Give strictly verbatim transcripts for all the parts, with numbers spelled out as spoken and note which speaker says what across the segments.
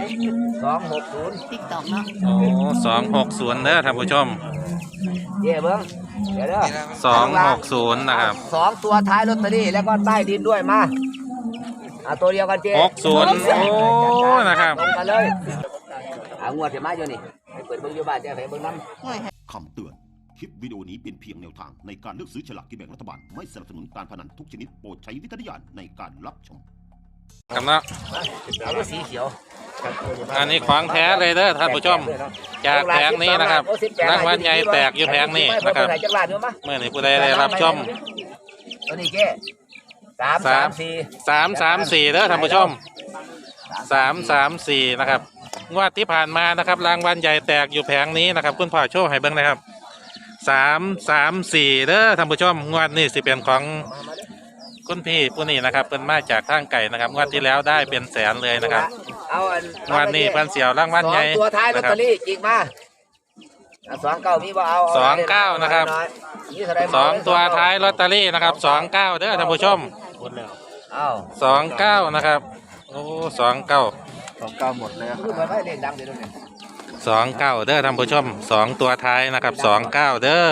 Speaker 1: สองหกศูนย์
Speaker 2: ติ๊กต็อกเนาะ
Speaker 3: โอ้สองหกศูนย์เด้อท่านผู้ชม
Speaker 1: เจ๊เบิ้งเดี๋ยวเด้อ
Speaker 3: สองหกศูนย์นะครับ
Speaker 1: สองตัวท้ายลอตเตอรี่แล้วก็ใต้ดินด้วยมาเอาตัวเดียวกันเจ๊
Speaker 3: หกศูนย์โอ้นะครับ
Speaker 1: ตรงกันเลยเอางวดเสียมาอยู่นี่ไปเปิดเบิ้งอยู่บ้านเจ๊ไปเบิ้งน้ำ
Speaker 2: ห่วย
Speaker 4: คำเตือน คลิปวิดีโอนี้เป็นเพียงแนวทางในการเลือกซื้อฉลากกินแบ่งรัฐบาล ไม่สนับสนุนการพนันทุกชนิดโปรดใช้วิจารณญาณในการรับชม
Speaker 3: กำลัง
Speaker 1: เอาตัวสีเขียว
Speaker 3: อันนี้ของแท้เลยเด้อท่านผู้ชม จากแผงนี้นะครับรางวัลใหญ่แตกอยู่แผงนี้นะครับเมื่อนี้ผู้ใดได้รับชม
Speaker 1: ตัวนี้เจ๊สามสามสี่
Speaker 3: สามสามสี่เด้อท่านผู้ชมสามสามสี่นะครับงวดที่ผ่านมานะครับรางวัลใหญ่แตกอยู่แผงนี้นะครับคุณพ่อโชว์ให้เบิ่งนะครับสามสามสี่เด้อท่านผู้ชมงวดนี้สิเป็นของคุณพี่ผู้นี้นะครับเป็นมาจากทางไก่นะครับงวดที่แล้วได้เป็นแสนเลยนะครับ
Speaker 1: เอาอัน
Speaker 3: งวดนี้เพิ่นเสียวรางวัลใหญ่
Speaker 1: สองตัวท้ายลอต
Speaker 3: นะค
Speaker 1: เต
Speaker 3: รั
Speaker 1: อบ รี่จริงมาสองเก้ามีบ่เอา
Speaker 3: สองเก้านะครับ
Speaker 1: มีเท่าไหร่
Speaker 3: สองตัวท้ายลอตเตอรี่นะครับสองเก้าเด้อท่านผู้ชม
Speaker 1: เอา
Speaker 3: สองเก้านะครับโอ้สองเก้า
Speaker 1: สองเก้าหมดเลยคือมันไม่เล่นดังเดี๋ยวนี้
Speaker 3: สองเก้าเด้อท่านผู้ชมสองตัวท้ายนะครับสองเก้าเด้อ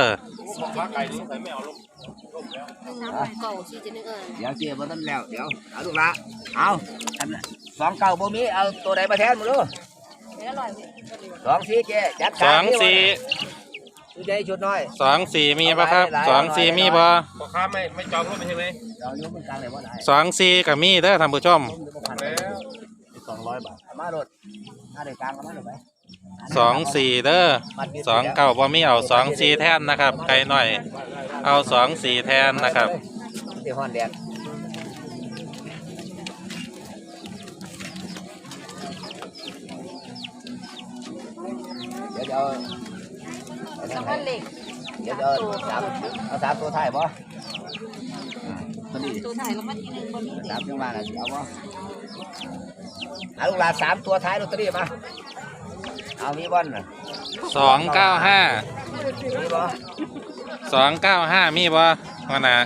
Speaker 2: เก่าที่จะนึกเออ
Speaker 1: เดี๋ยวเจียบมันแล้วเดี๋ยวเอาลูกละเอาอันสองเก้าบ่มีเอาตัวไหนมาแทนมึงดู
Speaker 2: เดี๋ยวอร่อย
Speaker 1: สองสี่เจ๊จัด
Speaker 3: สองสี่
Speaker 1: ชุดใหญ่ชุดน้อย
Speaker 3: สองสี่มีปะครับสองสี่มีบ่
Speaker 5: พ่อค้าไม่ไม่จองรถไม่ใช่ไหม
Speaker 1: เรายกมันกลางเลยว่าได้
Speaker 3: สองสี่กับมีเด้อท่านผู้ชม
Speaker 1: สองร้อยบาทมาโดดมาเดือดกลางมาเดือดไป
Speaker 3: สองสี่เด้อสองเก้าบ่มีเอาสองสี่แทนนะครับไกลหน่อย เอาสองสี่แทนนะครับ
Speaker 1: เดี๋ยวฮอนแดงเดี๋ยวเดี๋ยว
Speaker 2: สองพันเหล็ก
Speaker 1: เดี๋ยวเดี๋ยวสามเอาสามตัวไทยบ่ตัวนี้
Speaker 2: ตัวถ่ายแล้วมาทีหนึ่งบนนี้
Speaker 1: สามจังหวะนะเอาบ่เอาลูกหลานสามตัวท้ายลอตเตอรี่มาเอามีบอลน่ะ
Speaker 3: สองเก้าห้า
Speaker 1: มีบ่
Speaker 3: สองเก้าห้ามีบ่ว่านะ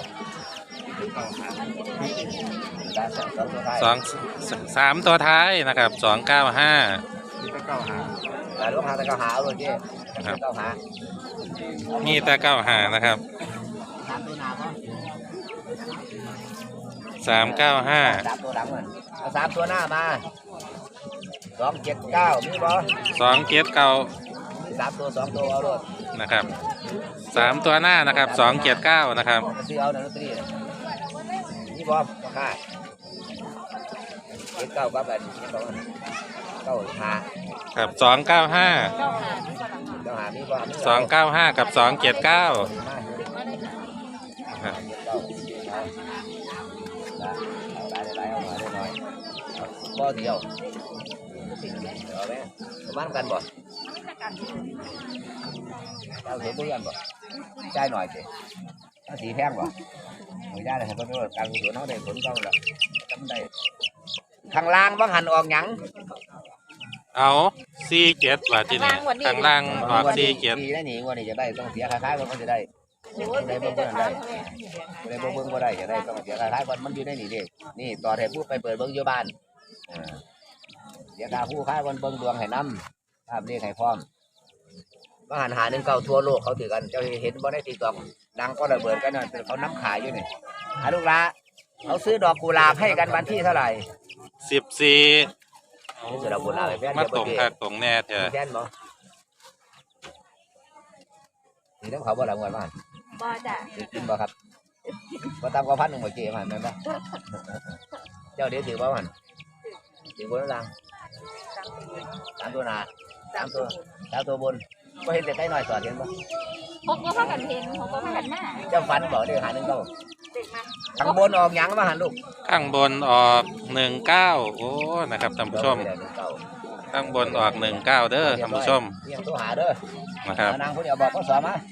Speaker 1: สองตัวท้าย
Speaker 3: สองสามตัวท้ายนะครับสองเก้าห้า
Speaker 1: แต่ลูกหาแต่เก้าหาเอาเลยเจ๊เก้าหา
Speaker 3: มีแต่เก้าหานะครับ
Speaker 1: สามตัวหน้าบ่
Speaker 3: สามเก้าห้า
Speaker 1: สามตัวหลังมันเอาสามตัวหน้ามาสองเจ็ดเก้ามีบ่
Speaker 3: สองเจ็ดเก้า
Speaker 1: สามตัวสองตัวเอาเลย
Speaker 3: นะครับสามตัวหน้านะครับสองเจ็ดเก้านะครับ
Speaker 1: ซื้อเอาในลอตเตอรี่มีบ่ราคาเจ็ดเก้ากับแบบนี้ก็เก้าหา
Speaker 3: ครับสองเก้าห้า
Speaker 2: เก้าหาที่ฝรั่ง
Speaker 1: เก้าหามีบ่
Speaker 3: สองเก้าห้ากับสองเจ็ดเก้าครับ
Speaker 1: ได้ได้เอามาได้หน่อยบ่เดียวเอาไหมประมาณกันบ่เอาเห็นด้วยกันบ่จ่ายหน่อยสิถ้าสีแพงบ่ไม่ได้เลยครับเพราะว่าการกุศลเขาได้ผลเขาแล้วจำได้ข้างล่างว่าหันออกหยัง
Speaker 3: เอาสี่เจ็ดว่าที่นี่ข้างล่างออกสี่เจ็ด
Speaker 1: ดีได้หนีวันนี้จะได้ต้องเสียคล้ายๆกันมันจะได้
Speaker 2: โอ้ยเดี๋ยวจะถามเขาเลย
Speaker 1: ในเบิ้งก็ได้จะได้ต้องเสียคล้ายๆกันมันอยู่ได้หนีเด็กนี่ต่อให้พูดไปเปิดเบิ้งอยู่บ้านเสียค่าผู้ค้าวันเบิ้งดวงให้น้ำภาพเรียกให้พร้อมว่าหันหาหนึ่งเก่าทั่วโลกเขาถือกันเจ้าเห็นบ่ได้ตีกล่องดังก็ระเบิดกันนั่นเขาน้ำขายอยู่นี่อาลูกละเขาซื้อดอกกุหลาบให้กันวันที่เท่าไหร่
Speaker 3: สิบสี่
Speaker 1: ซื้อดอกกุหลาบให้แฟน
Speaker 3: มา
Speaker 1: เดี๋ยว
Speaker 3: ตรงคักตรงแน่เถอะ
Speaker 1: แฟนบ่นี่ต้องเขาบ่หลังวันบ้าน
Speaker 2: บ่จ้ะ
Speaker 1: กินบ่ครับบ่ตามกว่าพันหนึ่งบ่เจ๊มันแม่นบ่เจ้าเดี๋ยวถือบ่มันถือบนล่างสามตัวหน้าสามตัวสามตัวบนบ่เห็นแต่ใกล้หน่อยสอดเห็นบ่
Speaker 2: พกก็พากันเพลงพกก็พากันมา
Speaker 1: เจ้าฝันบ่เดี๋ยวหาหนึ่งเก้า
Speaker 2: เด็กมา
Speaker 1: ทางบนออกหยังมาหันลูก
Speaker 3: ข้างบนออกหนึ่งเก้าโอ้นะครับท่านผู้ชม
Speaker 1: หนึ่งเก้า
Speaker 3: ข้างบนออกหนึ่งเก้าเด้อท่านผู้ชม
Speaker 1: เรียงตัวหาเด้อ
Speaker 3: นะครับ
Speaker 1: นางผู้เดียวบอกก็สอนมา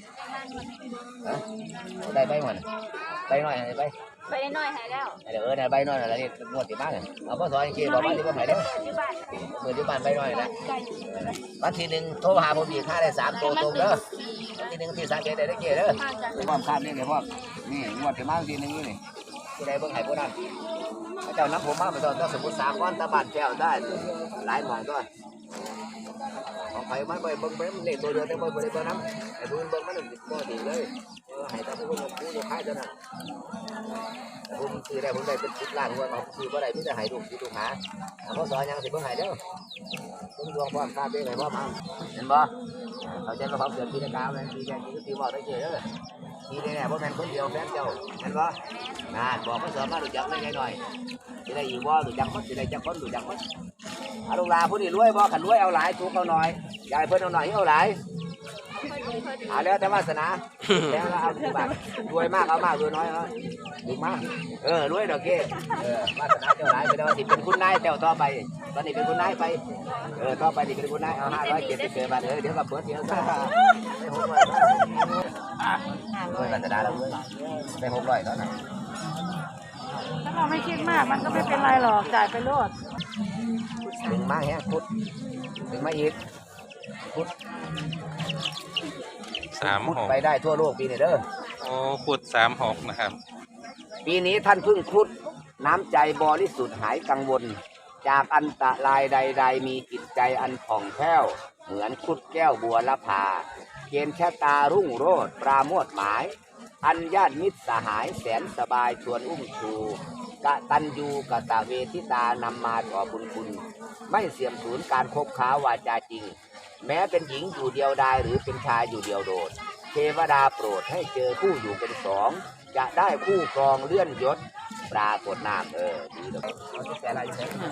Speaker 1: ได้ใบมันใบน้อยไป
Speaker 2: ไปน้อยหายแล้ว
Speaker 1: เดี๋ยวเออเนี่ยใบน้อยอะไรนี่งวดที่บ้านเอาพ่อสอนจริงๆบอกว่าที่บ้านไหนเด้อ
Speaker 2: ที่บ้าน
Speaker 1: เมื่อที่บ้านใบน้อยนะ
Speaker 2: ไก่อยู่
Speaker 1: วันที่หนึ่งโทรหาผมอีกค่าได้สามตัวตรงเด้อวันที่หนึ่งที่สามเจ็ดได้ได้เกี่ยเด้อ
Speaker 2: มาจาก
Speaker 1: ความคาดนี่เลยพ่อนี่งวดที่มาวันที่หนึ่งนี่ผู้ใดเบิ่งให้ผู้นั้นพระเจ้านับผมมาเหมือนตอนสมุทรสาครตะบ้านแก้วได้หลายหม่องด้วยของใครมันไปเบิ่งไปมันเล็กตัวเดียวแต่บ่ได้เบิ่งน้ำไอ้ผู้อื่นเบิ่งมันบ่ดีเลยเออให้แต่ผู้อื่นผู้อยู่ค่ายเท่านั้นผมซื้อได้ผมได้เป็นสิบล้านว่าผมซื้อบ่ได้มีแต่ให้ลูกสิลูกหาเขาสอนยังสิเบิ่งให้เด้อเบิ่งดวงพร้อมค่าเด้ให้พร้อมเอาเห็นบ่เขาใจว่าเขาเกิดปีละกาวแม่นปีแก่ปีบอกได้เฉยเด้อปีนี้เนี่ยบ่แม่นคนเดียวแฟนเจ้าเห็นบ่นานบอกเขาสอนมารู้จักได้ไงหน่อยสิได้อยู่บ่รู้จักมั้สิได้จักคนรู้จักมั้เอาลูกหลานผู้นี้รวยบ่คันรวยเอาหลายถูกเอาหน่อยยายเพิ่นเอาหน่อยเอาหลายเอาแล้วแต่วาสนาแล้วเอาที่บ้านรวยมากเอามากรวยน้อยเอาถูกมากเออรวยดอกเก้เออวาสนาเจ้าหลายไปแล้วสิเป็นคุณนายเจ้าต่อไปตอนนี้เป็นคุณนายไปเออต่อไปนี่เป็นคุณนายเอาห้าร้อยเจ็ดสิบเจ็ดบาทเออเดี๋ยวก็เปิดเดี๋ยวก็ไม่หกร้อยรวยวาสนาแล้วรวยไม่หกร้อยแล้วนะ
Speaker 6: ถ้าเราไม่คิดมากมันก็ไม่เป็นไรหรอกจ่ายไปโลด
Speaker 1: ดึงมาแฮะพุดดึงมาอีกพุด
Speaker 3: สาม
Speaker 1: พุด
Speaker 3: หก
Speaker 1: ไปได้ทั่วโลกปีนี้เด้อ
Speaker 3: โอ้ขุดสามหกนะครับ
Speaker 1: ปีนี้ท่านพึ่งพุดน้ำใจบริสุทธิ์หายกังวล จากอันตรายใด ๆ มีจิตใจอันผ่องแผ้วเหมือนคุดแก้วบัวละพาเกณฑ์ชะตารุ่งโรจน์ปราโมทหมาย อันญาติมิตรสหายแสนสบายชวนอุ้มชูกะตันยูกะตะเวทิตานำมาต่อบุญคุณไม่เสื่อมสูญการคบค้าวาจาจริง แม้เป็นหญิงอยู่เดียวดายหรือเป็นชายอยู่เดียวโดดเทวดาโปรดให้เจอคู่อยู่เป็นสองจะได้คู่ครองเลื่อนยศปรากฏนามเออดีเลยเอาที่แต่อะไรอยู่ไหน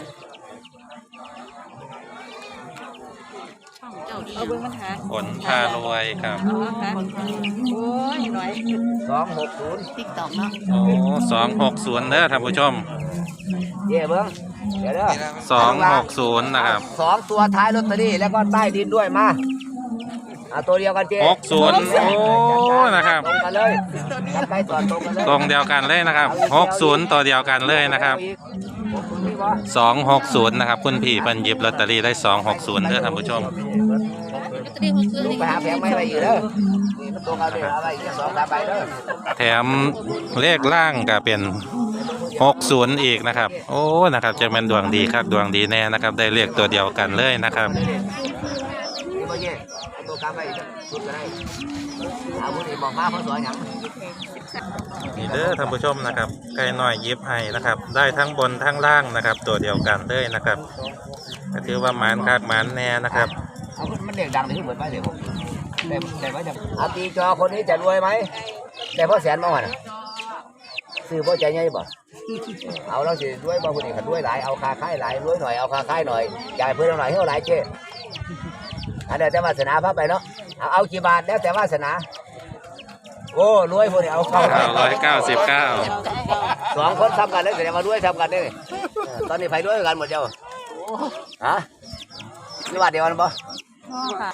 Speaker 6: เอาเบิ้งมันหา
Speaker 3: ผลพารวยครับ
Speaker 6: เอาหาโอ้ยหน่อย
Speaker 1: สองหกศูนย์
Speaker 6: ติ๊กต็อกเนาะ
Speaker 3: โอ้สองหกศูนย์เด้อท่านผู้ชม
Speaker 1: เย่เบิ้งเดี๋ยวเด้อ
Speaker 3: สองหกศูนย์นะครับ
Speaker 1: สองตัวท้ายลอตเตอรี่แล้วก็ใต้ดินด้วยมาอ่าตัวเดียวกันเจ๊
Speaker 3: หกศูนย์โอ้นะครับ
Speaker 1: ตรงกันเลยจับใกล้ต่อตรงกันเลย
Speaker 3: ตรงเดียวกันเลยนะครับหกศูนย์ตัวเดียวกันเลยนะครับ
Speaker 1: หกศูนย์นี่บ่
Speaker 3: สองหกศูนย์นะครับคุณพี่เพิ่นหยิบลอตเตอรี่ได้สองหกศูนย์เด้อท่านผู้ชม
Speaker 1: ลูกไปหาแผงไม้ไปอยู่เด้อนี่มันตรงกันเลยเอาไปอีกสองสามใบเด้อ
Speaker 3: แถมเลขล่างก็เป็นหกศูนย์อีกนะครับ โอ้นะครับจะเป็นดวงดีครับดวงดีแน่นะครับ ได้เลขตัวเดียวกันเลยนะครับ
Speaker 1: นี่บ่เย่เอาตัวกลางไปอีกสุดก็ได้เอาผู้นี้บอกมาเพราะสอนหยัง
Speaker 3: นี่เด้อท่านผู้ชมนะครับไก่น้อยยิบให้นะครับ ได้ทั้งบนทั้งล่างนะครับ ตัวเดียวกันเลยนะครับก็ถือว่าหมานคักหมานแน่นะครับ
Speaker 1: เอามันเด็กดังนี่เหมือนไปเดี๋ยวผมได้ได้ไว้จังเอาตีจอคนนี้จะรวยไหมได้พ่อแสนมาวันซื้อพ่อใจใหญ่บ่เอาแล้วสิรวยบ่คนนี้ขันรวยหลายเอาคาค่ายหลายรวยหน่อยเอาคาค่ายหน่อยจ่ายเพื่อนหน่อยเท่าไหร่เจ๊อันเดียวแต่วาสนาพาไปเนาะเอาเอากี่บาทแล้วแต่วาสนาโอ้รวยพวกนี้เอาเข้า
Speaker 3: เก้าร้อยเก้าสิบเก้า
Speaker 1: สองคนทำกันเลยแสดงว่าด้วยทำกันเลยตอนนี้ไปด้วยกันหมดเจ้าฮะนี่ว่าเดียวกันปะ
Speaker 6: ค่ะ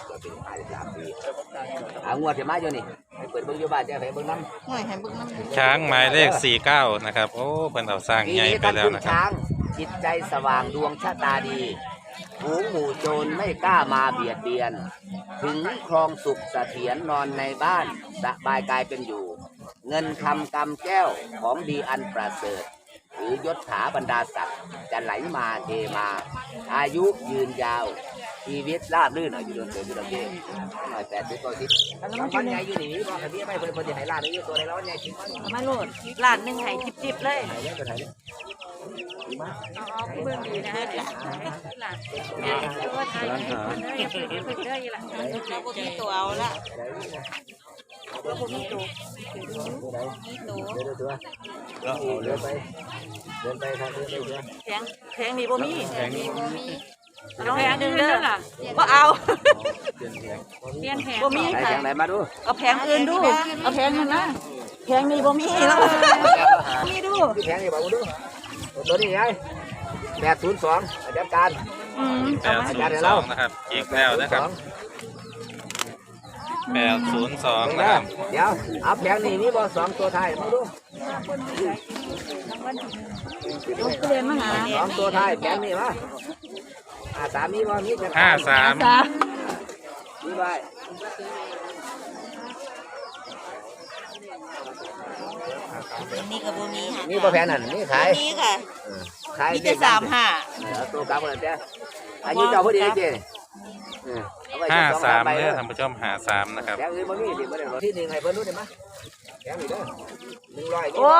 Speaker 1: อ่างวดจะมาอยู่นี่ไปเปิดเบิ้งอยู่บ้านจะไปเบิ้งน้
Speaker 6: หน่อยให้เบิ้งน้ำ
Speaker 3: ช้างหมายเลขสี่เก้านะครับโอ้เพิ่นเอาสร้าง
Speaker 1: ำปี
Speaker 3: ใหญ่
Speaker 1: นี้
Speaker 3: ไป
Speaker 1: ท่าน
Speaker 3: แล้ว
Speaker 1: พึ่ง
Speaker 3: นะครับ
Speaker 1: ช้างจิตใจสว่างดวงชะตาดีหูหมู่โจรไม่กล้ามาเบียดเบียน ถึงครองสุขเสถียรนอนในบ้านสบายกายเป็นอยู่ เงินคำกำแก้วของดีอันประเสริฐหรือยศถาบรรดาศักดิ์จะไหลมาเทมา อายุยืนยาว ชีวิตราบรื่นอายุเดินเดินอยู่ลำเลียงหน่อยแปดสิบกว่าสิบวันใหญ่อยู่นี่บอกกันพี่ไม่เพิ่นเพิ่นจะให้ลาดอยู่ตัวในร้อนใหญ่ชิมมัน
Speaker 6: มาโลดล้านหนึ่งให้จิบๆเลย
Speaker 1: ไหนเนี่ยตัวไหนเนี่ยดีมาก
Speaker 6: เอาเบิ้งดีนะฮะหลานแม่ตัวไทยอย่าเพิ่งอย่าเพิ่งเด้ออีหล่ะเราบ่มีตัวเอาละเราบ่มีตัว
Speaker 1: ตัวไหน
Speaker 6: มีตัว
Speaker 1: เดินตัวเดินไปเดินไปครับเดินไปเดิน
Speaker 6: แพงแพงนี่บ่มี
Speaker 2: แพงนี่บ่มี
Speaker 6: เอาแพงหนึงเด้อบ่เอา
Speaker 1: เดินเดิน
Speaker 6: เปลี่ยนแพงบ่มี
Speaker 1: ไหน
Speaker 6: ค่ะ
Speaker 1: แข่งไหนมาดู
Speaker 6: เอาแพงอื่นดูเอาแพงนั่นนะแพงนี่บ่มีแล้วมีดู
Speaker 1: ที่แข่งนี่บอกดูตัวนี้ไงแปดศูนย์สองอาจารย์การ
Speaker 6: อืม
Speaker 3: แปดศูนย์สองนะครับอีกแล้วนะครับแปดศูนย์สองนะครับ
Speaker 1: เดี๋ยวเอาแผงนี่มีบอสองตัวไทยมาดู
Speaker 6: เอาเปลี่ยนมาหา
Speaker 1: สองตัวไทยแผงนี่มาอ่าสามมีบอมีจะ
Speaker 3: ห้าสาม
Speaker 6: สาม
Speaker 1: มีไว้
Speaker 6: อันนี้ก็บ่มีค่ะ
Speaker 1: นี่บ่แพงนั่นนี่ขาย
Speaker 6: นี่ค่ะ
Speaker 1: เออขาย
Speaker 6: มีแต่สามห้า
Speaker 1: เอาตัวกลับมาแต่อายุเจ้าพอดีเจ๊เออเอไว้
Speaker 3: ห้า
Speaker 1: สอง
Speaker 3: สาม
Speaker 1: ใบ
Speaker 3: เด้
Speaker 1: เด้
Speaker 3: อ
Speaker 1: อ
Speaker 3: ท่านผู้ชมหาสามนะครับ
Speaker 1: แกงอื่นบ่มีดิบ่ได้ที่หนึ่งให้เพิ่นรู้ได้มั้ยแกงนี่เด้อหนึ่งร้อย
Speaker 2: โอ้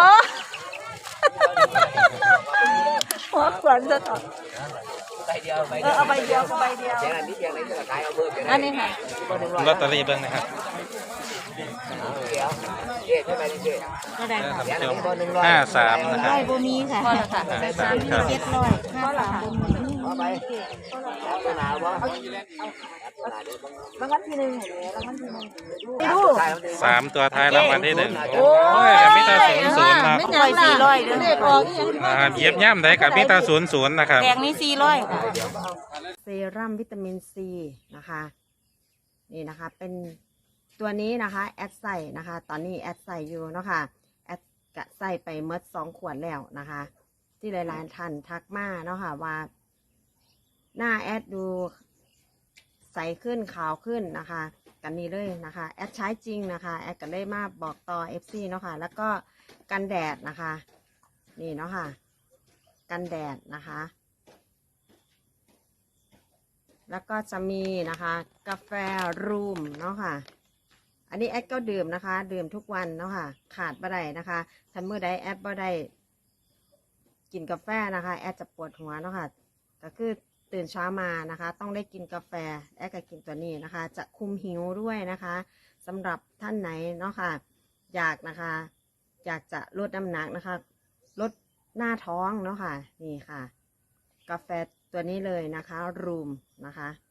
Speaker 2: หัวขวัญจะต่อ
Speaker 1: ใบเดียวใบ
Speaker 2: เอ
Speaker 1: เดี
Speaker 2: อ
Speaker 1: ยว
Speaker 2: เอาใบเดียวใบเดียว
Speaker 1: แกงอันนี้แกงนี้ก็ขายเอาเพิ่มกัน
Speaker 2: อันนี้ค่ะ
Speaker 3: ลอตเตอรี่เบิ่งนะครับ
Speaker 1: เดี๋ยวเจ๊ใช่ไหมเจ๊
Speaker 6: ก็ได้
Speaker 3: เด้อ
Speaker 6: ค่ะ
Speaker 3: ท่าน
Speaker 1: แกง
Speaker 3: ผู้ช
Speaker 1: อัน
Speaker 3: ม
Speaker 1: นี้บ่หนึ่งร้อย
Speaker 3: ห้าสามนะครับ
Speaker 6: ร้อยบ่มีค่ะ
Speaker 2: พอแล้วค่ะ
Speaker 3: ห้าสามครับ
Speaker 6: เจ็ดร้อยห้าสามบ่มี
Speaker 1: พอไปแล้วตัวหนาวบ่
Speaker 2: รางวัลที่หนึ่งเห็นไหมรางวัลที่หนึ่ง
Speaker 3: สามตัวท้ายรางวัลที่หนึ่งโอ้ยมิตาศูนย์ศูนย์ครับ
Speaker 6: ร้อยสี่ร้อยเด้อ
Speaker 2: เด็กออกอีหยัง
Speaker 3: อ่าเหยียบย่ำได้กับมิตาศูนย์ศูนย์นะครับ
Speaker 6: แดงนี่สี่ร้อยค่ะ
Speaker 7: เซรั่มวิตามินซีนะคะ นี่นะคะเป็นตัวนี้นะคะแอดใส่นะคะ ตอนนี้แอดใส่อยู่เนาะค่ะแอดกะใส่ไปเมดสองขวดแล้วนะคะ ที่หลายๆท่านทักมาเนาะค่ะว่า หน้าแอดดูใสขึ้นขาวขึ้นนะคะ กันนี้เลยนะคะแอดใช้จริงนะคะแอดก็ได้มาบอกต่อ เอฟ ซี เนาะค่ะแล้วก็กันแดดนะคะ นี่เนาะค่ะกันแดดนะคะ แล้วก็จะมีนะคะกาแฟรูมเนาะค่ะอันนี้แอดก็ดื่มนะคะ ดื่มทุกวันเนาะค่ะขาดบ่ได้นะคะถ้าเมื่อใดแอดบ่ได้กินกาแฟนะคะแอดจะปวดหัวเนาะค่ะก็คือตื่นเช้ามานะคะ ต้องได้กินกาแฟแอดก็กินตัวนี้นะคะ จะคุมหิวด้วยนะคะสำหรับท่านไหนเนาะค่ะอยากนะคะอยากจะลดน้ำหนักนะคะลดหน้าท้องเนาะค่ะนี่ค่ะกาแฟตัวนี้เลยนะคะรูมนะคะ